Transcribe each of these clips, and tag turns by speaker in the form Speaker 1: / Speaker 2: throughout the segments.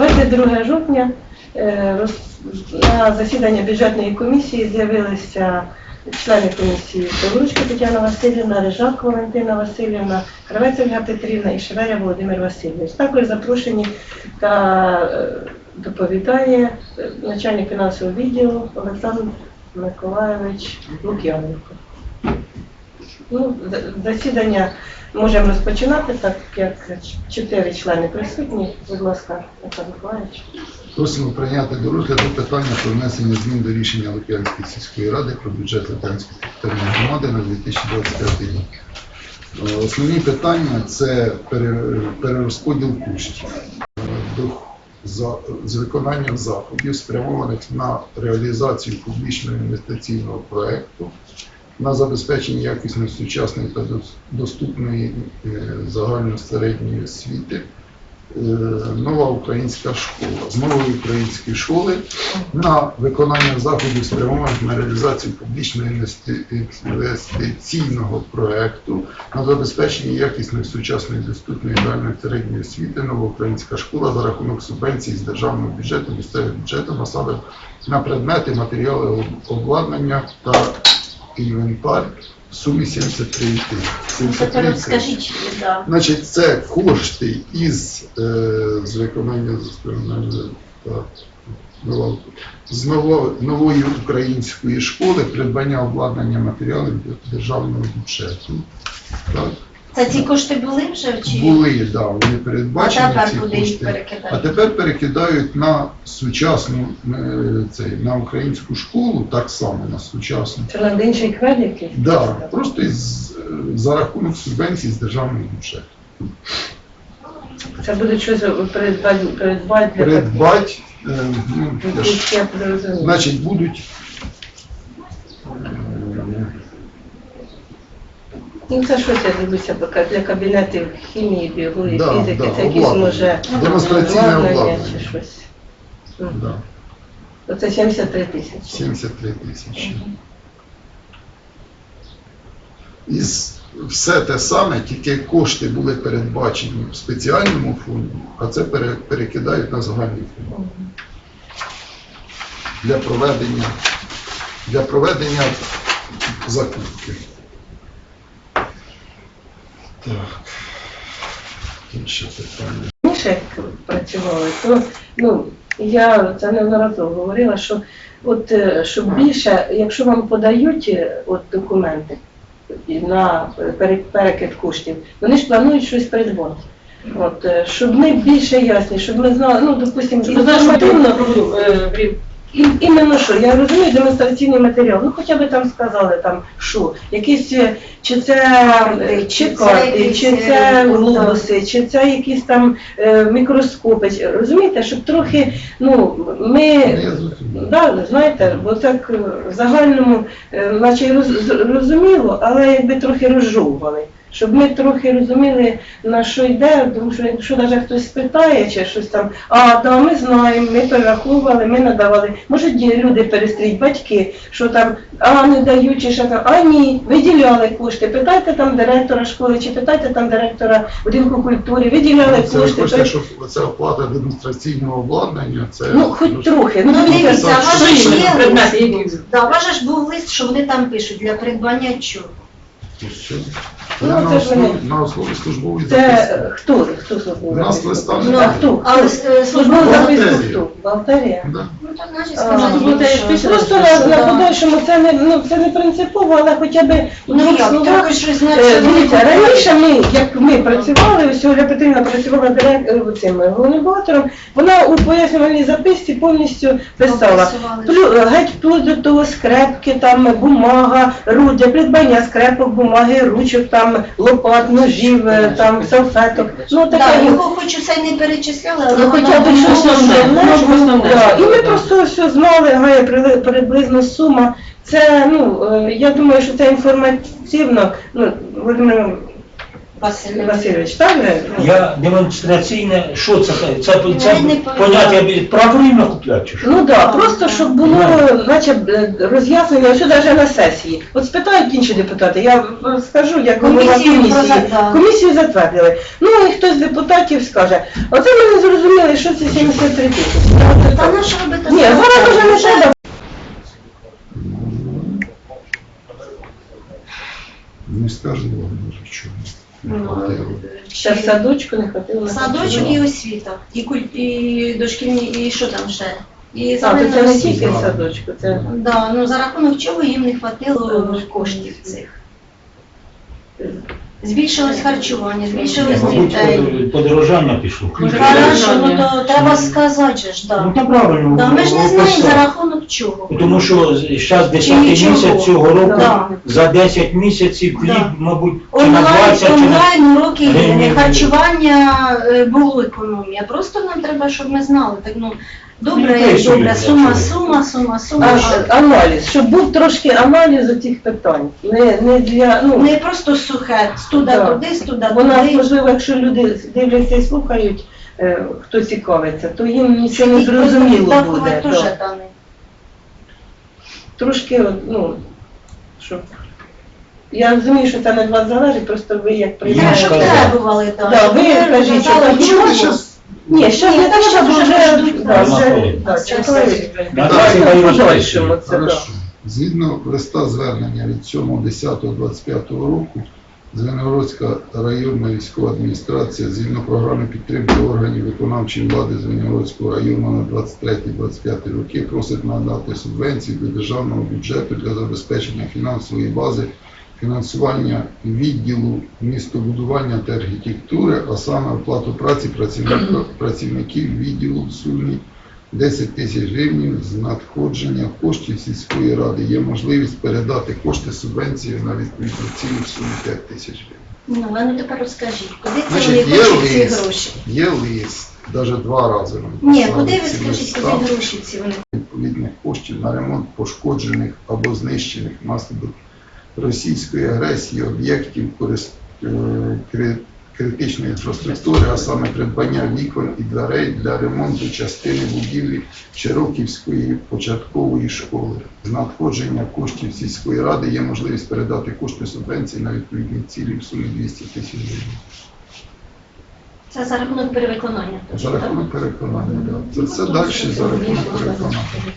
Speaker 1: 22 жовтня на засідання бюджетної комісії з'явилися члени комісії Павлучка Тетяна Васильівна, Рижак Валентина Васильівна, Кравець Ольга Петрівна і Шеверя Володимир Васильович. Також запрошені та доповідає начальник фінансового відділу Олександр Миколайович Лук'яненко. Засідання можемо розпочинати, так як 4 члени присутні. Будь ласка, Олександр Миколайович.
Speaker 2: Просимо прийняти до розгляду питання про внесення змін до рішення Лук'янської сільської ради про бюджет Лук'янської територіальної громади на 2025 рік. Основні питання – це перерозподіл коштів з виконанням заходів, спрямованих на реалізацію публічного інвестиційного проєкту, на забезпечення якісної, сучасної та доступної загальної середньої освіти, нова українська школа. З нової української школи на виконання заходів, спрямованих на реалізацію публічного інвестиційного проєкту, на забезпечення якісної, сучасної, доступної загальної середньої освіти, нова українська школа за рахунок субвенцій з державного бюджету, місцевого бюджету, насади на предмети, матеріали обладнання та інвентар в сумі 73 тисячі. Значить, це кошти з виконання з нової української школи, придбання обладнання матеріалів державного бюджету. Так?
Speaker 3: Це ці кошти були вже? Чи?
Speaker 2: Були, так, да, вони передбачені.
Speaker 3: А тепер
Speaker 2: ці
Speaker 3: куди їх
Speaker 2: кошти.
Speaker 3: перекидають?
Speaker 2: А тепер перекидають на сучасну, на українську школу, так само на сучасну.
Speaker 1: Це на інший кведи?
Speaker 2: Так, да, просто за рахунок субвенцій з державного бюджету.
Speaker 1: Це буде щось придбати?
Speaker 2: Значить, будуть...
Speaker 1: Ну це щось, я дивлюся, для кабінетів хімії, біології,
Speaker 2: да,
Speaker 1: фізики,
Speaker 2: да,
Speaker 1: це якісь, може,
Speaker 2: демонстраційне обладнання
Speaker 1: чи щось.
Speaker 2: Да.
Speaker 1: Оце 73 тисячі.
Speaker 2: 73 тисячі. І все те саме, тільки кошти були передбачені в спеціальному фонді, а це перекидають на загальний фонд. Для проведення закупки. Так, інше питання.
Speaker 1: Раніше, як працювали, то я це неодноразово говорила, що щоб більше, якщо вам подають документи на перекид коштів, вони ж планують щось придбати. Щоб ми більше ясні, щоб ми знали, допустимо, інформативно, іменно що, я розумію демонстраційний матеріал, хоча б там сказали, що, якісь, чи це карти, чи це глобуси, чи це якісь там мікроскопи, розумієте, щоб трохи, знаєте, бо так в загальному, наче розуміло, але якби трохи розжовували. Щоб ми трохи розуміли, на що йде, тому що якщо навіть хтось спитає, чи щось там, ми знаємо, ми перераховували, ми надавали. Можуть люди перестріть, батьки, що там, не дають, чи що там, ні, виділяли кошти. Питайте там директора школи, чи питайте там директора будинку культури, виділяли кошти.
Speaker 2: Це ви хочете, щоб це оплата демонстраційного обладнання, це...
Speaker 1: хоч трохи.
Speaker 3: Дивіться, у вас ж був лист, що вони там пишуть, для придбання чого?
Speaker 2: Я на основі службової записки.
Speaker 1: Це хто службовий?
Speaker 2: У нас листа
Speaker 1: А
Speaker 2: немає.
Speaker 1: хто?
Speaker 3: Але
Speaker 1: Службову записку хто? Бухгалтерія?
Speaker 2: Да.
Speaker 3: так значить сказати.
Speaker 1: Просто на подальшому це не принципово, але хоча б у двох словах. Дивіться, раніше ми працювали, ось Ольга Петрівна працювала головним бухгалтером, вона у пояснювальній записці повністю писала. Геть вплоть до того скрепки, там бумага, для придбання скрепок, бумаги, ручок, там лопат, ножів, там салфеток.
Speaker 3: Його хоч усе не перечисляли, але
Speaker 1: хоча б щось основне. І ми просто все знали, приблизно сума. Це, я думаю, що це інформативно, Володимир Васильович, так же?
Speaker 4: Я демонстраційне, що це? Це
Speaker 3: Я не
Speaker 4: поняття правильно купляти чи що?
Speaker 1: Ну так, просто щоб було, наче роз'яснення, що навіть на сесії. От спитають інші депутати, я скажу, як голова комісії. Комісію затвердили. Ну і хтось з депутатів скаже, оце ми не зрозуміли, що це 73 тисячі.
Speaker 3: Та на що робити?
Speaker 1: Ні, зараз вже не треба.
Speaker 2: Не скажу вам, може, чому. Не
Speaker 3: Ну,
Speaker 2: хватило.
Speaker 1: Ще в садочку не хватило. на
Speaker 3: Садочок
Speaker 1: харчування.
Speaker 3: і освіта, і дошкільні, і що там ще? І
Speaker 1: А, то
Speaker 3: загальна
Speaker 1: це не
Speaker 3: освіта.
Speaker 1: тільки в садочку, це
Speaker 3: Да, ну за рахунок чого їм не хватило коштів цих. Збільшилось харчування, збільшилось
Speaker 4: Мабуть,
Speaker 3: дітей.
Speaker 4: подорожання пішло.
Speaker 3: Хорошо, ну то треба сказати же ж,
Speaker 4: Ну,
Speaker 3: да.
Speaker 4: так правильно.
Speaker 3: Да, ми ж не знаємо
Speaker 4: описали.
Speaker 3: за рахунок чого.
Speaker 4: Тому що зараз 10
Speaker 3: нічого.
Speaker 4: місяць цього року,
Speaker 3: Да.
Speaker 4: за 10 місяців хліб,
Speaker 3: Да.
Speaker 4: мабуть, чи на 20, чи на...
Speaker 3: Онлайн уроки,
Speaker 4: Гривень.
Speaker 3: харчування було економія. Просто нам треба, щоб ми знали. Так, ну, добре,
Speaker 4: Приписують,
Speaker 3: добре,
Speaker 4: для
Speaker 3: сума,
Speaker 4: чого.
Speaker 3: сума.
Speaker 1: аналіз, щоб був трошки аналіз цих питань. Не для, ну,
Speaker 3: Не просто сухе, студа
Speaker 1: Да.
Speaker 3: туди, студа
Speaker 1: бо нас,
Speaker 3: туди.
Speaker 1: можливо, якщо люди дивляться і слухають, хто цікавиться, то їм нічого не зрозуміло буде.
Speaker 3: Теж,
Speaker 1: Да.
Speaker 3: Дани.
Speaker 1: Трошки, ну, щоб... Я розумію, що це не від вас залежить, просто ви як
Speaker 3: Те,
Speaker 1: приймаєте.
Speaker 3: щоб
Speaker 4: сказали.
Speaker 3: требували, так.
Speaker 1: Да, ви кажіть, що так,
Speaker 2: Чому
Speaker 1: чому?
Speaker 2: щас?
Speaker 1: Ні, що
Speaker 3: Ні,
Speaker 1: не
Speaker 3: так,
Speaker 1: треба,
Speaker 3: що
Speaker 1: бо
Speaker 3: вже
Speaker 1: вже,
Speaker 3: ждуть,
Speaker 1: да,
Speaker 4: да.
Speaker 1: вже, да,
Speaker 3: Це
Speaker 1: чекають.
Speaker 3: все.
Speaker 4: Да,
Speaker 1: Давайте
Speaker 4: давайте
Speaker 1: в
Speaker 4: розпишемо.
Speaker 1: подальшому це, да.
Speaker 2: Хорошо. Згідно листа звернення від 7.10.25 року, Звенигородська районна військова адміністрація згідно програми підтримки органів виконавчої влади Звенигородського району на 23-25 роки просить надати субвенції до державного бюджету для забезпечення фінансової бази, фінансування відділу містобудування та архітектури, а саме оплату праці працівників відділу в сумі 10 тисяч гривень з надходження коштів сільської ради. Є можливість передати кошти субвенції на відповідну ціну в сумі 5 тисяч гривень.
Speaker 3: Ну, а ну тепер розкажіть, куди це
Speaker 2: Значить,
Speaker 3: вони
Speaker 2: є
Speaker 3: хочуть ці
Speaker 2: лист.
Speaker 3: гроші?
Speaker 2: Є лист, навіть 2 рази ми
Speaker 3: Ні,
Speaker 2: писали
Speaker 3: куди ви
Speaker 2: ці
Speaker 3: скажіть,
Speaker 2: листа.
Speaker 3: куди гроші ці вони?
Speaker 2: Відповідних коштів на ремонт пошкоджених або знищених внаслідок російської агресії об'єктів критичної інфраструктури, а саме придбання вікон і дверей для ремонту частини будівлі Чироківської початкової школи. З надходження коштів сільської ради є можливість передати кошти субвенції на відповідні цілі в сумі 200 тисяч гривень.
Speaker 3: Це за рахунок перевиконання.
Speaker 2: За рахунок переконання, так. Це все далі за рахунок переконання.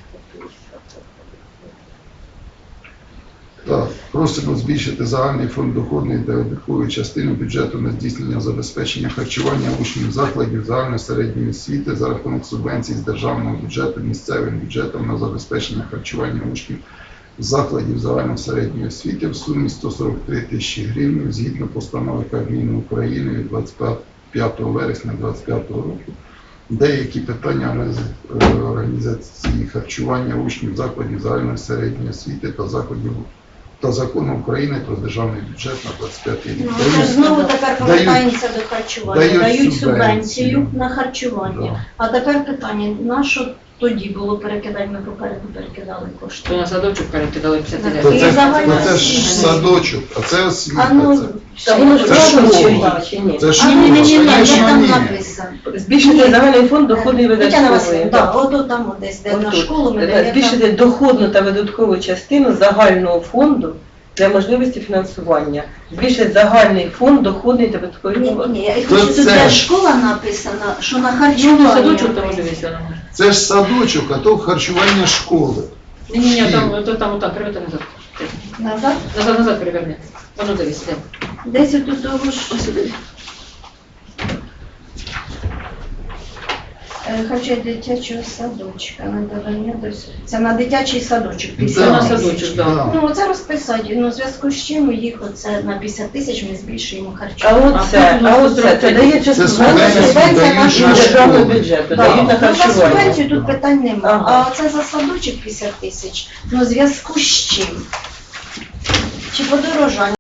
Speaker 2: Так, просимо збільшити загальний фонд доходної та видаткової частини бюджету на здійснення забезпечення харчування учнів закладів загальної середньої освіти за рахунок субвенцій з державного бюджету місцевим бюджетом на забезпечення харчування учнів закладів загальної середньої освіти в сумі 143 тисячі гривень згідно постанови Кабміну України від 25 вересня 2025 року. Деякі питання організації харчування учнів закладів загальної середньої освіти та закону України про державний бюджет на 25 рік.
Speaker 3: Ну, це ж знову тепер повертаємося до харчування. Дають субвенцію
Speaker 2: субвенцію
Speaker 3: на харчування.
Speaker 2: Да.
Speaker 3: А тепер питання, на що тоді було перекидати, ми попереду перекидали кошти?
Speaker 5: То на садочок перекидали 50
Speaker 3: Так.
Speaker 2: То
Speaker 5: тисяч.
Speaker 3: І загальна
Speaker 2: це ж
Speaker 3: освіта.
Speaker 2: садочок, а це освіта.
Speaker 3: А ну,
Speaker 1: Та воно ж
Speaker 2: Це
Speaker 1: правильно
Speaker 2: школа.
Speaker 1: чи ні?
Speaker 2: Це
Speaker 3: а
Speaker 2: школа,
Speaker 3: ні, де
Speaker 2: звісно,
Speaker 3: там
Speaker 2: ні.
Speaker 3: написано?
Speaker 1: Збільшити загальний фонд доходної
Speaker 3: Тетяна
Speaker 1: видаткової.
Speaker 3: Васильівна, так, от там от десь, де на
Speaker 1: Отут.
Speaker 3: школу ми даємо.
Speaker 1: Збільшити доходну та видаткову частину загального фонду для можливості фінансування. Збільшити загальний фонд доходний та видаткової.
Speaker 3: Ні, я
Speaker 2: То
Speaker 3: хочу, тут
Speaker 2: це
Speaker 3: де
Speaker 2: ж-
Speaker 3: школа написана, що на
Speaker 5: Ну,
Speaker 3: харчування.
Speaker 5: садочок там дивися. ну.
Speaker 2: Це ж садочок, а то харчування школи.
Speaker 5: Ні, там, перевертай назад.
Speaker 3: Назад?
Speaker 5: Назад переверни. Воно дивись, де.
Speaker 3: Десь отут того ж. Хоча дитячого садочка, надавання це на дитячий садочок. 50
Speaker 5: Це на
Speaker 3: тисяч.
Speaker 5: садочок, так.
Speaker 3: Ну, оце розписати. Ну, в зв'язку з чим їх оце на 50 тисяч ми збільшуємо
Speaker 1: А
Speaker 3: харчування.
Speaker 1: оце, це дається
Speaker 2: Це
Speaker 1: субвенція
Speaker 2: субвенція
Speaker 3: дають
Speaker 1: з
Speaker 3: на
Speaker 1: державного
Speaker 2: школи.
Speaker 1: бюджету,
Speaker 3: Да.
Speaker 1: дають на
Speaker 3: Ну, за
Speaker 1: харчування.
Speaker 3: субвенцію тут питань немає.
Speaker 1: Ага.
Speaker 3: А оце за садочок 50 тисяч. Ну, в зв'язку з чим? Чи подорожання?